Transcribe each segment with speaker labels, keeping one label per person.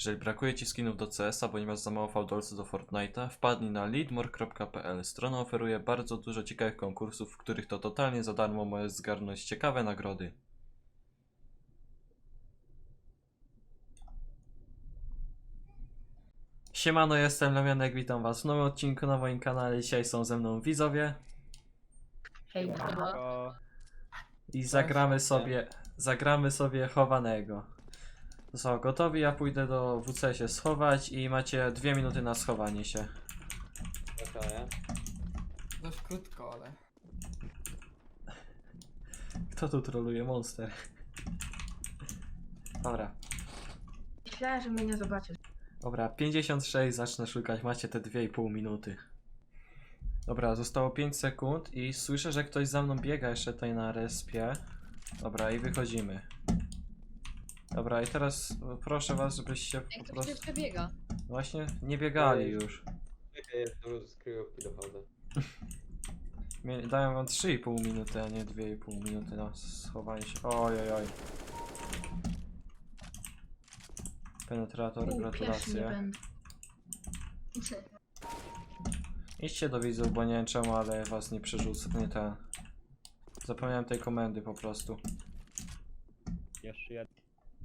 Speaker 1: Jeżeli brakuje Ci skinów do CS-a, bądź masz za mało fałdolców do Fortnite'a, wpadnij na leadmore.pl. Strona oferuje bardzo dużo ciekawych konkursów, w których to totalnie za darmo możesz zgarnąć ciekawe nagrody. Siemano, jestem Lemianek, witam was w nowym odcinku na moim kanale. Dzisiaj są ze mną widzowie
Speaker 2: Hej,
Speaker 1: i zagramy sobie chowanego. Są gotowi, ja pójdę do WC się schować i macie 2 minuty na schowanie się.
Speaker 3: Okej.
Speaker 2: dość krótko, ale...
Speaker 1: Kto tu troluje? Monster. Dobra.
Speaker 4: Myślałem, że mnie nie zobaczysz.
Speaker 1: Dobra, 56, zacznę szukać, macie te 2,5 minuty. Dobra, zostało 5 sekund i słyszę, że ktoś za mną biega jeszcze tutaj na respie. Dobra, i wychodzimy. Dobra, i teraz proszę was, żebyście
Speaker 5: Jak
Speaker 1: po
Speaker 5: to
Speaker 1: prostu...
Speaker 5: przecież biega?
Speaker 1: Właśnie nie biegali już.
Speaker 3: Czekaj, jest dużo z kryjówki dochodzę.
Speaker 1: Dają wam 3,5 minuty, a nie 2,5 minuty na schowanie się. Oj, oj, oj. Penetrator,
Speaker 4: Pierwszy nie
Speaker 1: gratulacje.
Speaker 4: będę.
Speaker 1: Idźcie do widzów, bo nie wiem czemu, ale was nie przerzucę, nie ten. Zapomniałem tej komendy po prostu.
Speaker 6: Jeszcze jeden.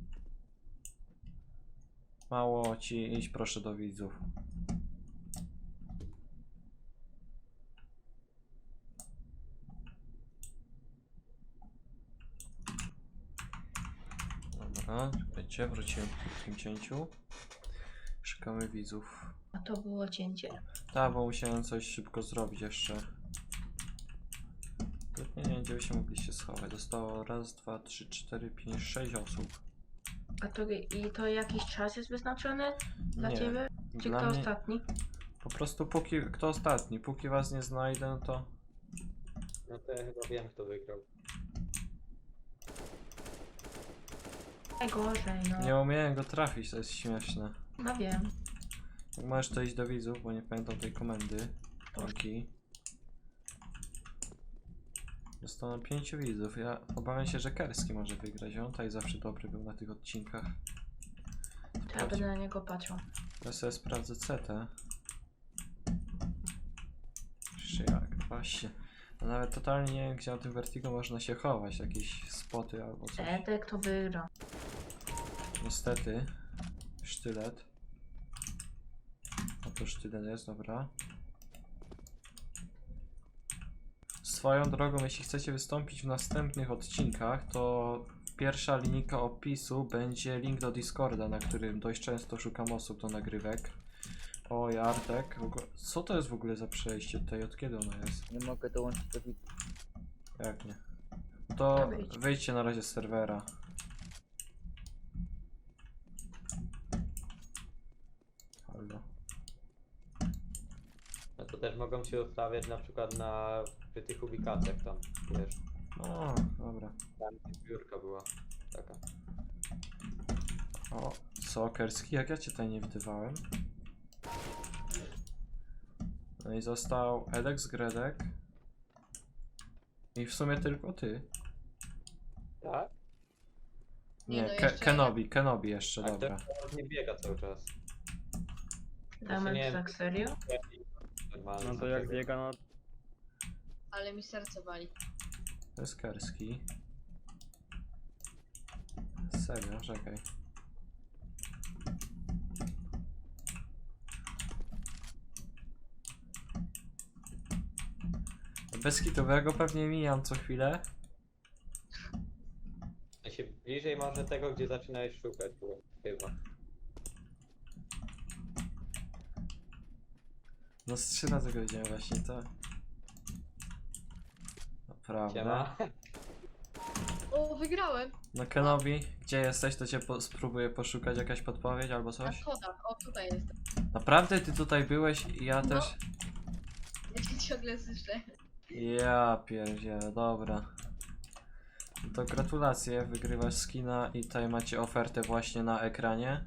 Speaker 1: Mało ci, idź proszę do widzów. Dobra, czekajcie, wróciłem w tym cięciu. Szukamy widzów.
Speaker 4: A to było cięcie.
Speaker 1: Tak, bo musiałem coś szybko zrobić jeszcze. Nie wiem, gdzie wy się mogliście schować. Zostało raz, dwa, trzy, cztery, pięć, 6 osób.
Speaker 4: A to i to jakiś czas jest wyznaczony dla
Speaker 1: Nie,
Speaker 4: ciebie? Czy
Speaker 1: dla
Speaker 4: kto
Speaker 1: mnie
Speaker 4: ostatni?
Speaker 1: po prostu kto ostatni, póki was nie znajdę, no to...
Speaker 3: No to ja chyba wiem, kto wygrał.
Speaker 4: Najgorzej, no.
Speaker 1: Nie umiałem go trafić, to jest śmieszne.
Speaker 4: No wiem.
Speaker 1: Jak możesz to iść do widzów, bo nie pamiętam tej komendy. Taki. Zostało 5 widzów. Ja obawiam się, że Kerski może wygrać. On tutaj zawsze dobry był na tych odcinkach.
Speaker 4: To ja będę na niego patrzył.
Speaker 1: Ja sobie sprawdzę CT. Czy jak? Właśnie. No nawet totalnie nie wiem, gdzie na tym Vertigo można się chować. Jakieś spoty albo coś.
Speaker 4: Edek to wygra.
Speaker 1: Niestety. Sztylet. No to sztylet jest, dobra. Swoją drogą, jeśli chcecie wystąpić w następnych odcinkach, to pierwsza linijka opisu będzie link do Discorda, na którym dość często szukam osób do nagrywek. Oj, Artek. Co to jest w ogóle za przejście tutaj? Od kiedy ono jest?
Speaker 6: Nie mogę dołączyć do widzów.
Speaker 1: Jak nie? To
Speaker 4: Wyjdź.
Speaker 1: wyjdźcie na razie z serwera. Halo.
Speaker 3: No to też mogą się ustawiać na przykład przy tych ubikacjach tam, wiesz.
Speaker 1: O, dobra.
Speaker 3: Tam zbiórka była taka.
Speaker 1: O, Sokerski, jak ja cię tutaj nie widywałem. No i został Edek z Gredek. I w sumie tylko ty.
Speaker 3: Tak?
Speaker 1: Nie,
Speaker 5: no jeszcze
Speaker 1: Kenobi jeszcze,
Speaker 3: A
Speaker 1: dobra.
Speaker 3: ten nie biega cały czas.
Speaker 4: Damy
Speaker 3: nie wiem.
Speaker 4: tak serio?
Speaker 3: Normalnie
Speaker 6: No to jak biega, no
Speaker 5: Ale mi serce wali.
Speaker 1: To jest Kerski. Serio, czekaj. Bez kitu, bo ja go pewnie mijam co chwilę.
Speaker 3: Ja się bliżej może tego, gdzie zaczynałeś szukać było, chyba.
Speaker 1: No z 3 razy go widziałem właśnie, to... Naprawdę.
Speaker 3: Siema.
Speaker 5: O, wygrałem!
Speaker 1: No Kenobi, gdzie jesteś, to cię spróbuję poszukać, jakaś podpowiedź albo
Speaker 5: Na
Speaker 1: coś?
Speaker 5: schodach. O, tutaj jestem.
Speaker 1: Naprawdę ty tutaj byłeś i ja
Speaker 5: No.
Speaker 1: też?
Speaker 5: Ja cię ciągle słyszę.
Speaker 1: Ja pierdzielę, dobra. To gratulacje, wygrywasz skina i tutaj macie ofertę właśnie na ekranie.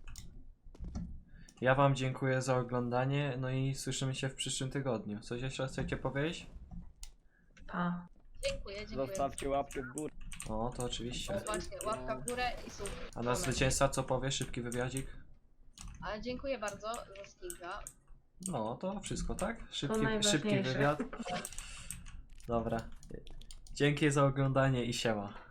Speaker 1: Ja wam dziękuję za oglądanie, no i słyszymy się w przyszłym tygodniu. Coś jeszcze chcecie powiedzieć?
Speaker 4: Pa.
Speaker 5: Dziękuję.
Speaker 6: zostawcie łapkę w górę.
Speaker 1: O, to oczywiście.
Speaker 5: O, właśnie, łapka w górę i sub.
Speaker 1: A nasz zwycięzca co powie? Szybki wywiadzik?
Speaker 5: Ale dziękuję bardzo za skillga.
Speaker 1: No, to wszystko, tak? Szybki
Speaker 4: najważniejsze.
Speaker 1: wywiad. Dobra. Dzięki za oglądanie i siema.